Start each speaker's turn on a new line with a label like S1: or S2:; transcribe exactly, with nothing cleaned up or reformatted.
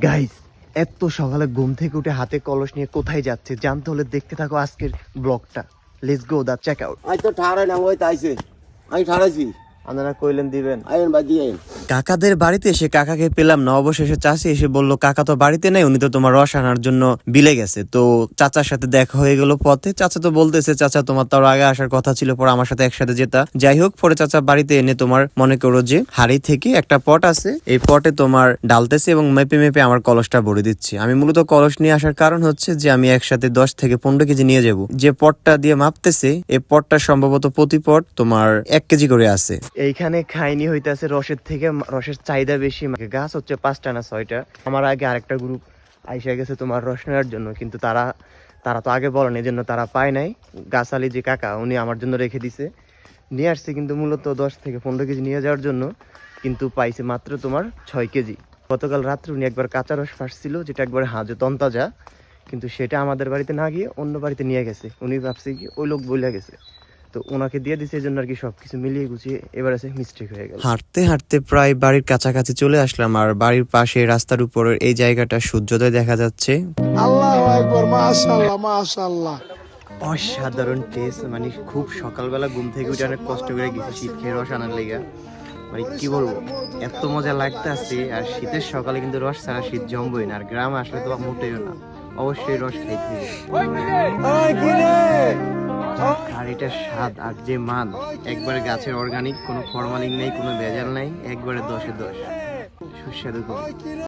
S1: Guys, এত সকালে ঘুম থেকে উঠে হাতে কলস নিয়ে কোথায় যাচ্ছে জানতে হলে দেখতে থাকো আজকের ব্লগটা। Let's go the check out.
S2: আজ তো ঠাড়াই না ওই তাইছে আমি ঠাড়াইছি
S1: আপনারা কইলেন দিবেন।
S2: আইন বাদ দিয়ে আইন।
S1: কাকাদের বাড়িতে এসে কাকাকে পেলাম না, অবশেষে চাচি এসে বললো কাকা তো বাড়িতে নেই, উনি তো তোমার রস আনার জন্য বিলে গেছে। তো চাচার সাথে দেখা হয়ে গেল পথে। চাচা তো বলতেছে চাচা তোমার তার আগে আসার কথা ছিল, পরে আমার সাথে একসাথে যেতা। যাই হোক, পরে চাচা বাড়িতে এনে তোমার মনে করো যে হাড়ি থেকে একটা পট আছে, এই পটে তোমার ডালতেছে এবং মেপে মেপে আমার কলসটা ভরে দিচ্ছে। আমি মূলত কলস নিয়ে আসার কারণ হচ্ছে যে আমি একসাথে দশ থেকে পনেরো কেজি নিয়ে যাব। যে পটটা দিয়ে মাপতেছে এই পটটা সম্ভবত প্রতি পট তোমার এক কেজি করে আছে। এইখানে খাইনি হইতেছে রসের থেকে, রসের চাহিদা বেশি। গাছ হচ্ছে পাঁচটা না ছয়টা। আমার আগে আরেকটা গ্রুপ আইসা গেছে তোমার রস নেওয়ার জন্য, কিন্তু তারা তারা তো আগে বলেন, এই জন্য তারা পায় নাই। গাছালি যে কাকা উনি আমার জন্য রেখে দিছে, নিয়ে আসছে কিন্তু মূলত দশ থেকে পনেরো কেজি নিয়ে যাওয়ার জন্য, কিন্তু পাইছে মাত্র তোমার ছয় কেজি। গতকাল রাত্রে উনি একবার কাঁচা রস ফাঁসছিল, যেটা একবার হাজে তন্তাজা, কিন্তু সেটা আমাদের বাড়িতে না গিয়ে অন্য বাড়িতে নিয়ে গেছে। উনি ভাবছে কি ওই লোক বলে গেছে, তো ওনাকে দিয়ে দিছে, এই জন্য আর কি সবকিছু মিলিয়ে গুছিয়ে এবার আছে মিস্টেক হয়ে গেল। হাঁটতে হাঁটতে প্রায় বাড়ির কাছাকাছি চলে আসলাম, আর বাড়ির পাশে রাস্তার উপরের এই জায়গাটা সূর্যোদয় দেখা যাচ্ছে।
S3: আল্লাহু আকবার, মাশাআল্লাহ মাশাআল্লাহ।
S1: অসাধারণ টেস্ট, মানে খুব সকালবেলা ঘুম থেকে উঠে অনেক কষ্ট করে গেছি শীত খেয়ে রস আনার লেগা। মানে কি বলবো, এত মজা লাগতেছে। আর শীতের সকালে কিন্তু রস ছাড়া শীত জমবই না, আর গ্রামে আসলে তো মোটেও না, অবশ্যই রস খাইতে হবে। আর এটা স্বাদ আর যে মান, একবারে গাছের অর্গানিক, কোনো ফরমালিন নেই, কোনো ভেজাল নাই, একবারে দশে দশ, সুস্বাদু।